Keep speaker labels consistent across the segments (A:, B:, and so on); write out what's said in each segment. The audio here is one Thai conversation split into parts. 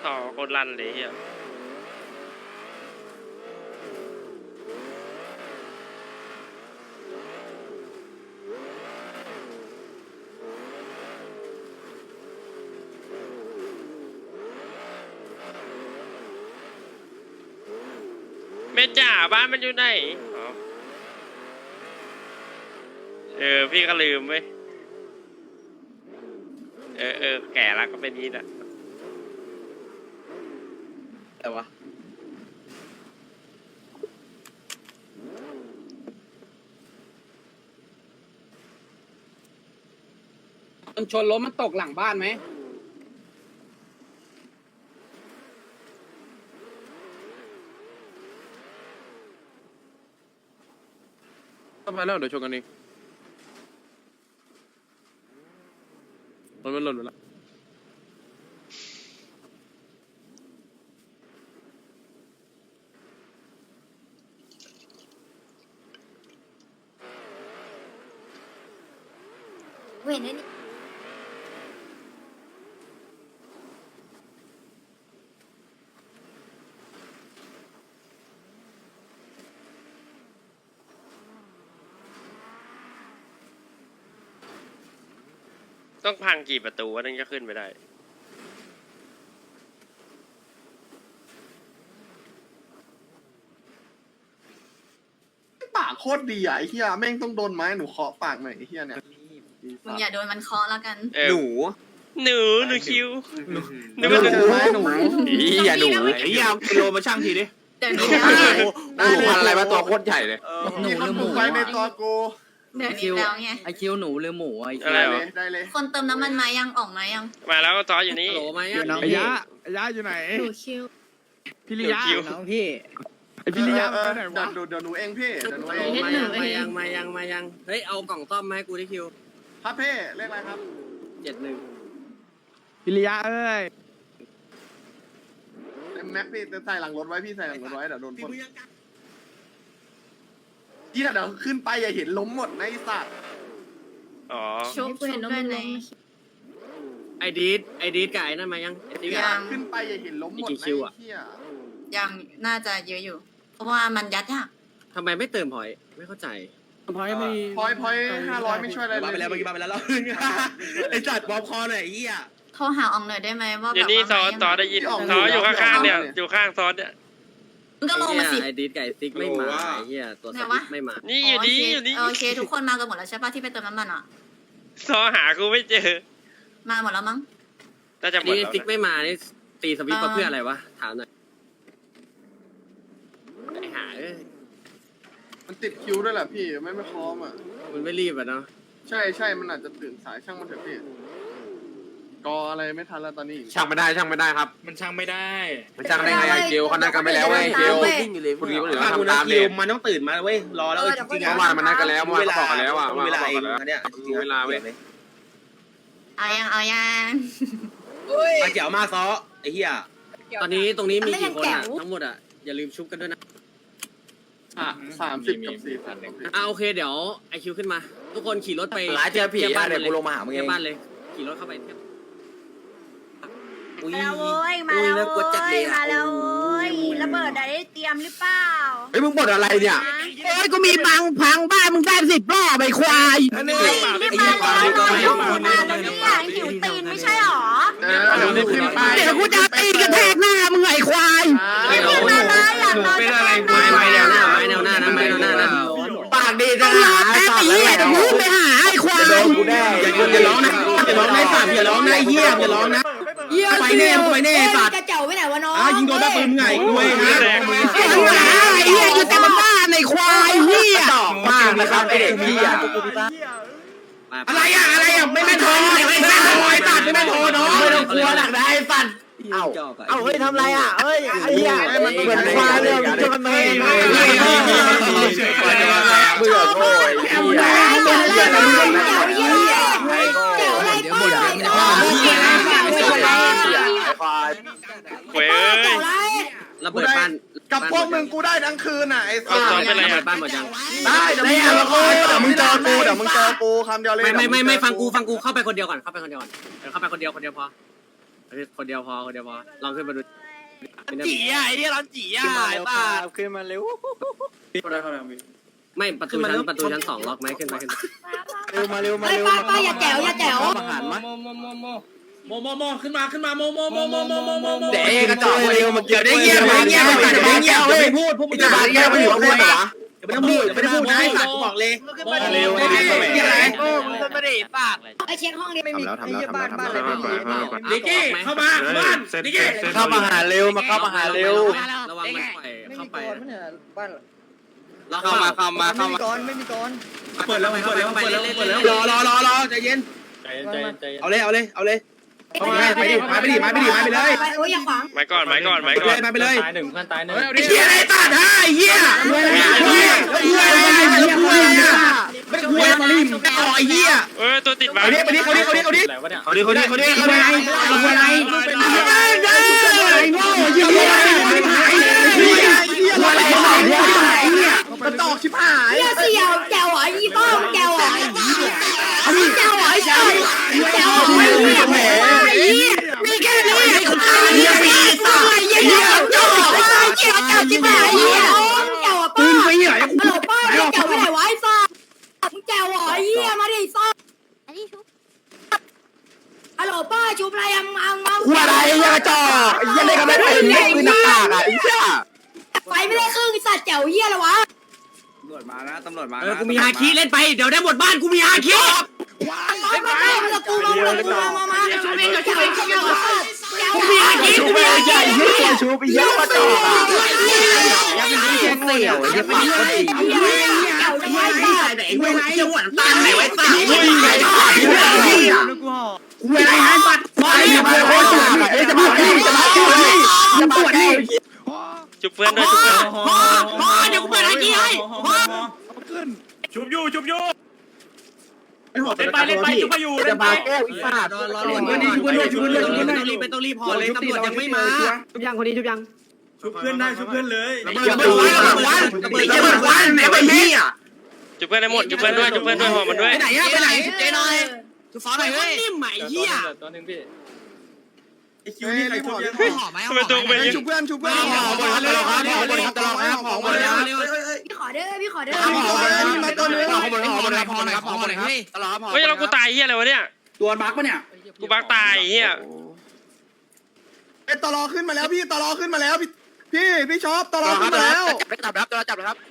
A: ต่อโคตรลั่นเลยเฮียแม่จ๋าบ้านมันอยู่ไหนอ๋อพี่ก็ลืมเว้ยแก่แล้วก็เป็นนี้แหละ
B: แต่วะมันชนรถมันตกหลังบ้านไหมทำไมแล้วเดี๋ยวชนกันเองมันหล่นไปแล้ว
C: เว้นนี่
A: ต้องพังกี่ประตูวะถึงจะขึ้นไปได้
D: ปากโคตรดีอ่ะไอ้เหี้ยแม่งต้องโดนไม้หนูเคาะปากหน่อยไอ้เหี้ยเนี่ย
C: มึงอย่าโดนมันเคาะแล้วกัน
A: หนูคิวหนู
D: เจอไม้หนู
E: อย่าหนูไอ้ยาวกิโลมาช่างทีดิ
C: เดี๋ยวนี้แล้วไง
E: หนูพันอะไรมาตัวโคตรใหญ่เลย
D: มีคำถูกไว้ในตัวกู
C: เดี๋ยวนี้แล้วไง
B: ไอคิวหนูหรือหมูไอ
A: อะไร
D: ได้
A: เหร
D: เล
A: อย
D: ได้เลย
C: คนเติมน้ำมันมายังออกมายัง
A: มาแล้วก็ต่ออยู่นี่
B: โหลไหม
F: ไอ้ยะอยู่ไหน
C: ดูคิว
F: พี่ลิยะ
A: คิว
B: น้องพี่
F: ไอ้พี่ลิยะไปไหนวะ
D: เดี๋ยวหนูเองพี่เดี๋ยวหนูเอง
B: มายังเฮ้ยเอากล่องซ่อมมาให้กูที่คิว
D: ครับพี่เลขอะไรครับ
B: 71
F: พี่ลิยะเอ้ย
D: แม็กพี่ใส่หลังรถไว้พี่ใส่หลังรถไว้เดี๋ยวโดนปล้นที่เดี๋ยวขึ้นไปอย่าเห็นล้มหมดนะไอ้สัตว์
A: อ๋อ
C: ชุบด้วยไหน
B: ไอดีดกับไอ้นั่นมายังไอดีด
C: ยัง
D: ขึ้นไปอย่าเห็นล้มหมด
B: อีกกี่
D: นะ
B: คิวอะ
D: ไอ้เหี้ย
C: ยังน่าจะเยอะอยู่ เพราะว่ามันยัดยาก
B: ทำไมไม่เติมพอยไม่เข้าใจ
D: พอย500ไม่ช่วยอะไรเลย
E: ไปแล้วเมื่อกี้มาไปแล้วไอ้จัดบอมคอหน่อยไอ้เหี้ย
C: โทรหาอองหน่อยได้ไหมว่า
A: อ
C: แบบ
A: ยู่นี่ซอ
C: ว่า
A: ต่อได้ยินซออยู่ข้างๆเนี่ยอยู่ข้างซอเนี่ย
C: มึงก็ลงมาสิ
B: ไอดีดกับไอซิกไม่มาไอเหี้ยตัวสติ๊กไม่มา
A: นี่อยู่นี่อยู่นี่
C: โอเคทุกคนมากันหมดแล้วใช่ป่ะที่ไปเติมน้ำมันอ่ะ
A: ซอหากูไม่เจอ
C: มาหมดแล้วมั้ง
A: น่าจะหมด
B: นี่
A: แล้ว
B: ซิกไม่มานี่ตีสวิตช์เพื่ออะไรวะถามหน่อยไอหา
D: มันติดคิวด้วยแหละพี่ไม่พร้อมอ่ะ
B: มันไม่รีบอ่ะเนาะ
D: ใช่มันอาจจะตื่นสายช่างมันเถอะพี่กออะไรไม่ทันแล้วตอนนี้
E: ช่างไม่ได้ครับ
F: มันช่างไม่ได้
E: มันช่างได้ไงเกลเขานัดกันไปแล้วเว้ยเกลคุณดีคนอื่นเขาทำตามเด็ก
G: มันต้องตื่นมาเว้ยรอแล้วจริงๆ
E: เมื่อวานมันนัดกันแล้วเมื่อวานเขาบอกกันแล้วอ่ะ
G: เวลาเองเนี่ย
E: มีเวลาเว้ย
C: เอายัง
G: มาเจียวมาซ้อไอ้เหี้ย
B: ตอนนี้ตรงนี้มีกี่คนอ่ะทั้งหมดอ่ะอย่าลืมชุบกันด้วยนะ
D: 30 กับ 40
B: โอเคเดี๋ยวไอคิวขึ้นมา ทุกคนขี่รถไป
E: หลายเจอผี
B: ทียบบ้าน
E: เดี๋ยวกูลงมาหามึงเอ
B: เทีย
E: ง
B: บบ้านเลยขี่รถเข้าไปเทียบ
G: อุ้ย
H: มาแล้วเว้ยมาแล้วเว้ยมาแล้วเว้ยระเบิดได้เตรียมหรือเปล่า
E: เฮ้ยมึงบ่นอะไรเนี่ย
H: โอ้ยกูมีพังบ้านมึงได้10 รอบไอ้ควาย
G: นี่
H: นี่มาแล้วมาแล้วเนี่ยหิวตีนไม่ใช่หรอ
D: เดี๋ยวขึ้นไป
H: เดี๋ยวกูจะตีกระแทกหน้ามึงไอ้ควาย
D: ไม่
H: นี่มาเลยอยากนอนจะแทกหน้า
B: ไม้แนวหน้าไม้แนวหน้านะไม้แนวหน้านะ
E: ปากดีจัง
H: รอแป๊บไอ้เหี้ยเดี๋ยวมึงไปหาไอ้ควาย
E: โดนกูแน่
G: อย่าร้องนะอย่าร้องนะสัตว์อย่าร้องนะเหี้ยอย่าร้องนะไปแน่สัตว์
H: กระเจ้าไปไหนวะน้อง
G: ยิงโดนแบบปืนไงด้วยฮะ
H: ไอ้เหี้ยอยู่แต่บ้านไอ้ควายเหี้ย
E: ตอกมากนะครับไอเด็กพี่อ่ะ
G: อะไรอ่ะไม่โทรไอ้สัตว์ไม่โทรเนาะ
E: ไม่ต้องกลัวหลักได้สัตว์เอาเฮ้ยทำไรอ่ะเฮ้ยไอ้เหี้ยมันเหมือนควายเลยมึงจะมันไม่เบื่อโง่ไอ้เหี้ย
A: เว้ย
B: ระเบิดบ้าน
D: กับพวกมึงกูได้ทั้งคืนอ่ะไอ้สั
A: เอา
D: ส
A: ซ้อมไปเลย
B: ระ
A: ค
B: เบิ
A: รับ
B: ดบ้านหมดยัง
D: ได้เดี๋ยวมึงเจอกูคำเดียวเลย
B: ไม่ฟังกูเข้าไปคนเดียวก่อนเข้าไปคนเดียวพอคนเดียวพอลองขึ้นมาดู
E: จีอ่ะไอ้เนี่ยร้อนจีอ่ะไอ้ตาขึ้นมาเร็ว
B: ไม่ประตูชั้นสองล็อกไหมขึ้นไป
E: เร็วมาเร็วมา
H: เฮ้ย
E: เร็ว
H: ป้าอย่าแจ๋วอย่าแจ๋ว
E: อาหารมั้ย
G: โมขึ้นมาโม
E: เด็กกระจอกเร็วมาเกี่ยว
G: เดี๋ยวได้เงียบไม่พูดพวกมึงจะมาเงียบไปอยู่ข้างบนเหรออย่าไม่ต้องพูดนะไอ้สัตว์กูบอกเลย
E: เร็ว
G: ไม่อะไร
E: ไม่ได้ปาก
H: ไอเช็คห้องนี้ไม่มี
F: ทำแล้วบ้านอะไรไม่มี
G: ดิกี้เข้ามาบ้านดิกี้
E: เข้ามาหาเร็วมาเข้ามาหาเร็ว
B: ระวังมันปล่อยเข้าไป
E: เข้ามา
G: เปิดแล้วรอใจเย็นเอาเลยเข้าไปไปดิไปเลย
H: โอ้ยอย่าขวาง
A: ไม้ก่อน
G: ไปเลย
E: ตายหนึ่งเพื่อนตายหนึ่ง
G: ไอ้เหี้ยอะไรตัดฮะไอ้เหี้ยไม่คุยมาลิมต่อไอ้เหี้ย
A: ตัวติดมา
G: เอาดิเขาดิ
E: อะไรวะเนี่ย
G: เอาดิมันตอกชิบหาย
H: เหี้ยเสี่ยวแจ๋วอ่ะยี่ป้อมแจ๋วอ่ะแจ๋วอ่ะแจ๋วแจ๋วอ่ะมีแค่นี้เหี้ยเหี้ยจ่อเหี้ยจ่อจิ๊บหายเหี้ยแจ๋วอ่ะป้า
G: ไปเหี้ย
H: ฮัลโหลป้าแจ๋วไปไหนวะไอ้ซ่ามึงแจ๋วอ่ะเหี้ยมาดิซ่าฮัลโหลป้าชุบอะไรยังมัง
E: หัวอะไรยังจ่อยังได้กันไม่ได้ปืนหน้ากากอ่ะไอ้เหี้ย
H: ไฟไม่ได้ครึ่งสัตว์แจ๋วเหี้ยเลยวะ
F: ตำรวจมานะตำรวจมา
B: กูมีฮาคิเล่นไปเดี๋ยวได้หมดบ้านกูมีฮาคิ
H: มากูมาชุบเองเดี๋ยวชุบเองชุบเอง
B: กูมีฮาคิกูมีฮาคิ
E: ชูไปเยอะกระจอกอ่ะยังไม่ได้เสี่ยวยังปากก็ดี
H: แจ๋วจะไม่ได้
G: ไหนเว้ยเจ้าหวนตาไหนไว้ตาเว้ยไอ้เวลาหายบัตรไปจะมาปวดดิ
A: จุบเพื่อนด้วย
B: เดี๋ยวกูเปิดฮาคิให้
F: ชุบอยู่
G: เล่นไปชุบไปอยู่
E: จะมาแก้วอีฟาด
B: รอต้องรีบพอเลยตำรวจยังไม่มาชุบยังคนนี้ชุบยัง
F: ชุบเพื่อนได้ชุบเพื่อนเลย
E: อย่าเปิดวันแม่ไปนี่อ่ะ
A: จุบเพื่อนได้หมดจุบเพื่อนด้วยห่อมันด้วย
G: ไปไหนอะไปไหนเจ๊น้อย
B: คือฟ้าหน่อยเฮ้ยนิ่มใหม่เหี้ย
E: ตัวนึงพี่
F: ไอคิวนี่ใครชุบเยอะ
A: ทำไมตัวเป็น
D: ชุบเพื่อนห่อหมดแล้วห่อหมดแล้ว
H: พี่ขอเด้อพี่ขอเด้อ
D: ห่อหมดแล้วมาตัวนึง
A: เฮ้ยเรากูตายเฮียอะไรวะเนี่ย
G: ตัวบั๊กปะเนี่ย
A: กูบักตายเฮีย
D: ไอ้ตลอขึ้นมาแล้วพี่ตลอขึ้นมาแล้วพี่ชอบตลอขึ้นมาแล้ว
E: จับครับตัวจับเลยครับ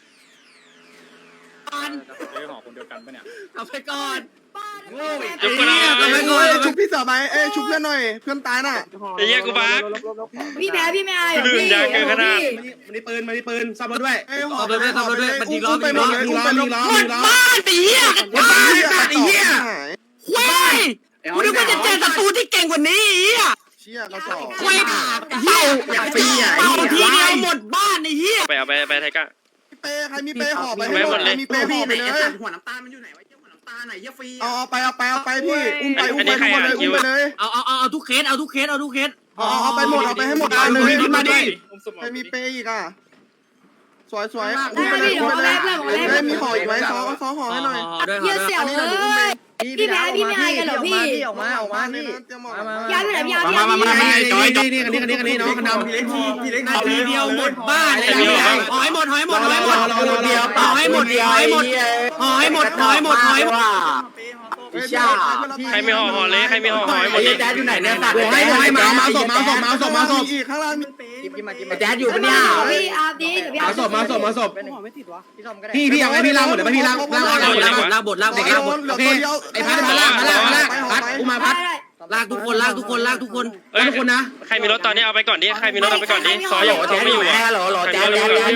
F: ห่อคนเดียวกันปะเนี่ย
B: เอาไปก่อน
A: จุบเพื่อน
D: ชุบพี่เสือไปชุบเพื่อนหน่อยเพื่อนตายน่ะ
A: ไอ้เฮียกูบัก
H: พี่แพ้พี่ไม่อาย
A: ลื่นยางเกินขนาด
G: มันได้ปืนซ่อมรถด้วย
D: ไปหมดเลยอุ้มไปหมดเลย
B: บ้านไอ้เหี้ย
G: บ้าสัตว์ไอ้เหี้ย
B: เว้ยกูนึกว่าจะเจอศัตรูที่เก่งกว่านี้ไอ้เหี้ย
D: เชี่ยกระสอบ
B: เว้ยเหี้ย
G: อยากปีอ่ะ
B: เป่าทีเดียวหมดบ้านไอ้เหี้ย
A: ไปไทก้า
D: เปใครมีเปห่อไปให้หมดมีเปห่อไปเลย
G: หัวน้ำตาลมันอยู่ไหนวะหัวน้ำตาลไหนเหี้ยฟรี
D: เอาไปพี่อุ้มไปทุกคนเลยอุ้มไปเลย
B: เอาทุกเคสเอา
D: ไปหมดเอาไปให้หมดเลยมาดิใครมีเปอีกอ่ะสวยอุ้มไปเลยอุ้มไปเลยมีห่ออีกไหมซ้อห่อให้หน่อย
B: ด้วย
H: เหี้ยเสี่ยวเอ้ยพี่แพ้พี่ไม่อายกันเหรอพี่
D: ออกมานี่เตรียมหมด
H: ยาไปไหนยา
G: นี่น้องคนดำ
F: พี่เล็กพี่เล็ก
B: นาทีเดียวหมดบ้านไอ้เหี้ยห่อให้หมดห่อให้หมดห่อให้หมดห่อให้หมดห่อให้หมดห่อให้หมดห่อให้หมดห่อให้หมด
A: ใครมีห่อเลยใครมีห่อให้หมด
E: ไอ้แจ๊ดอยู่ไหนเนี่ยสัตว์
G: ให้มาศพ
D: อีกข้างล่างมี
E: แจ๊ดอยู่ปะเนี่ย
H: พี่อาร์ดีเดี๋ยวพี่อาร์
G: มาศพพี่เอาไงพี่ล้างหมดเลยพี่ล้าง
B: ลากบทโอเคไอ้พัดมาลากพัดกูมาพัดลากทุกคนทุกคนนะ
A: ใครมีรถตอนนี้เอาไปก่อนดิใครมีรถเอาไปก่อนดิซอยอยู่ซอยไม่อยู่
E: แจ๊ดหรอแจ๊ด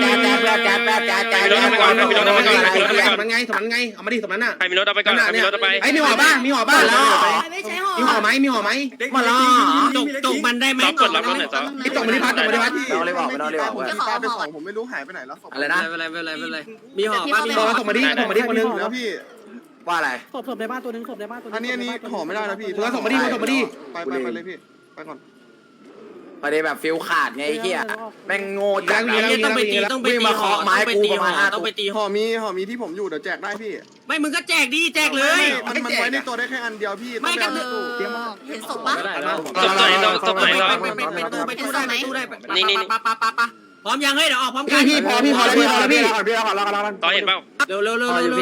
G: มันไงเอามาดิสมันน่ะ
A: ใครมีรถเอาไปก่อนใครมีรถเอาไป
G: ไอ้มีห่อบ้างมีห่อบ้างแล้ว
H: ไม่ใช่ห่อ
G: มีห่อไหมมีห่อไหม
B: มาล้อจกมันได้ไหม
A: รับกดรับรถหน่อยซอ
G: ไอ้ตกมาที่พัด
E: เราเลยบอก
D: ผมไม่รู้หายไปไหนแล้ว
G: อะไรนะ
B: เป็นไรมีห่อป้ามี
G: ต
B: ห่อก
G: มาดิคนนึง
D: แล้วพี่
E: ว่าอะไร
I: ศพในบ้านตัวนึงศพในบ้านตัวนึง
D: อันนี้ห่อไม่ได้นะพี่
G: ส่งมาดิ
D: ไปเลยพี่ไปก่อน
E: ประเด็นแบบฟิลขาดไงไอ้เหี้ยแม่งโง่จัด
B: ไอ้เหี้ยต้องไปตี
E: เคาะไม้
B: ไป
E: กู
B: ตี
E: ประ
B: ห่
E: มา
B: อ
E: ณห้า
B: ต้องไปตี
D: ห่อมีที่ผมอยู่เดี๋ยวแจกได้พี่
B: ไม่มึงก็แจกดิแจกเลย
D: มันไว้ในตัวได้แค่อันเดียวพี่
B: ไม่ก็
D: ต้อง
C: เห็นศพปะ
A: ตบไหนตบไหนหรอ
B: ไปตู้ได้ปะพร้อมยังเฮ้ยเดี๋ยวออกพร้อมกัน
E: พี่พอแล้วพี่รอก่อน
A: ต่อเห็นเปล่า
B: เร็ว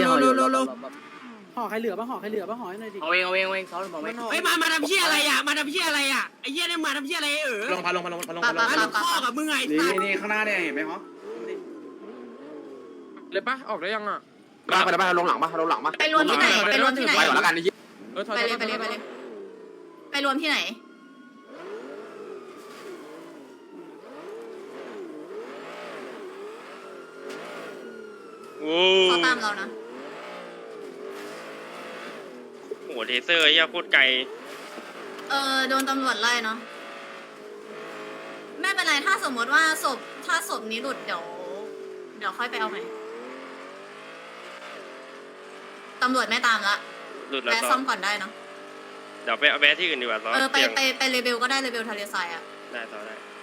H: ห่อใครเหลือบ้างห่อใครเหลือบ้างห่อให้หน่อยดิ
E: เอาเองซ้อนบอกไม่
B: เฮ้ยมาทำเชี่ยอะไรอ่ะมาทำเชี่ยอะไรอ่ะไอ้เหี้ยเนี่ยมาทำเชี่ยอะไร
G: ลงพาลง
B: มาลูกข้อกับมึงไง
G: นี่ข้างหน้าเนี่ยเห็นไหมฮะ
F: เลยปะออกได้ยังอ่ะ
E: ไปลงหลังปะ
C: ไปรวมที่ไหนไปรวมที่ไหน
E: ไปก่อนแล้วกัน
C: ไปเลยไปรวมที่ไหน
A: โอ้
C: เขาตามเรานะ
A: โหเทเซอร์เหี้ยโคตรไกล
C: โดนตำรวจไล่เนาะไม่เป็นไรถ้าสมมติว่าถ้าศพนี้หลุดเดี๋ยวค่อยไปเอาใหม่ตำรวจไม่ตามละ
A: หลุดแล้ว
C: แวะ
A: ต่
C: ซ่
A: อ
C: อมก่อนได้เนาะ
A: เดี๋ยวไปเอาแบที่อื่นดีกว่าต่อ
C: ไป
A: เตียง
C: เลเบลก็ได้เลเบลทะเลทรายอะ
A: ได้ต่อได้